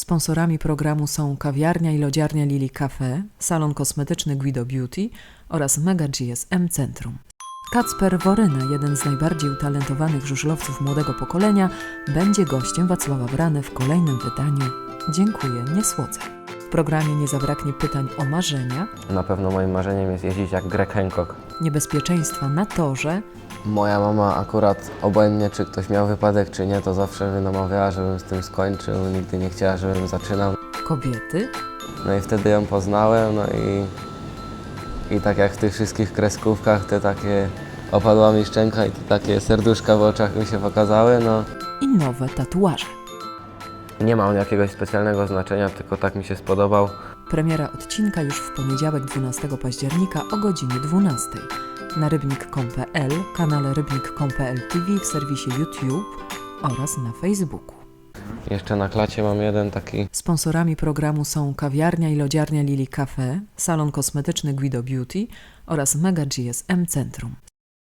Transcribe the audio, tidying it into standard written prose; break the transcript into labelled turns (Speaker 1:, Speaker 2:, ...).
Speaker 1: Sponsorami programu są kawiarnia i lodziarnia Lili Cafe, salon kosmetyczny Guido Beauty oraz Mega GSM Centrum. Kacper Woryna, jeden z najbardziej utalentowanych żużlowców młodego pokolenia, będzie gościem Wacława Brany w kolejnym wydaniu Dziękuję, nie słodzę. W programie nie zabraknie pytań o marzenia,
Speaker 2: Na pewno moim marzeniem jest jeździć jak Greg Hancock.
Speaker 1: niebezpieczeństwa na torze,
Speaker 2: Moja mama akurat obojętnie, czy ktoś miał wypadek, czy nie, to zawsze mnie namawiała, żebym z tym skończył. Nigdy nie chciała, żebym zaczynał.
Speaker 1: kobiety,
Speaker 2: No i wtedy ją poznałem, no i tak jak w tych wszystkich kreskówkach, te takie opadła mi szczęka i te takie serduszka w oczach mi się pokazały, no.
Speaker 1: i nowe tatuaże.
Speaker 2: Nie ma on jakiegoś specjalnego znaczenia, tylko tak mi się spodobał.
Speaker 1: Premiera odcinka już w poniedziałek 12 października o godzinie 12 na rybnik.com.pl, kanale rybnik.com.pl TV, w serwisie YouTube oraz na Facebooku.
Speaker 2: Jeszcze na klacie mam jeden taki.
Speaker 1: Sponsorami programu są kawiarnia i lodziarnia Lili Cafe, salon kosmetyczny Guido Beauty oraz Mega GSM Centrum.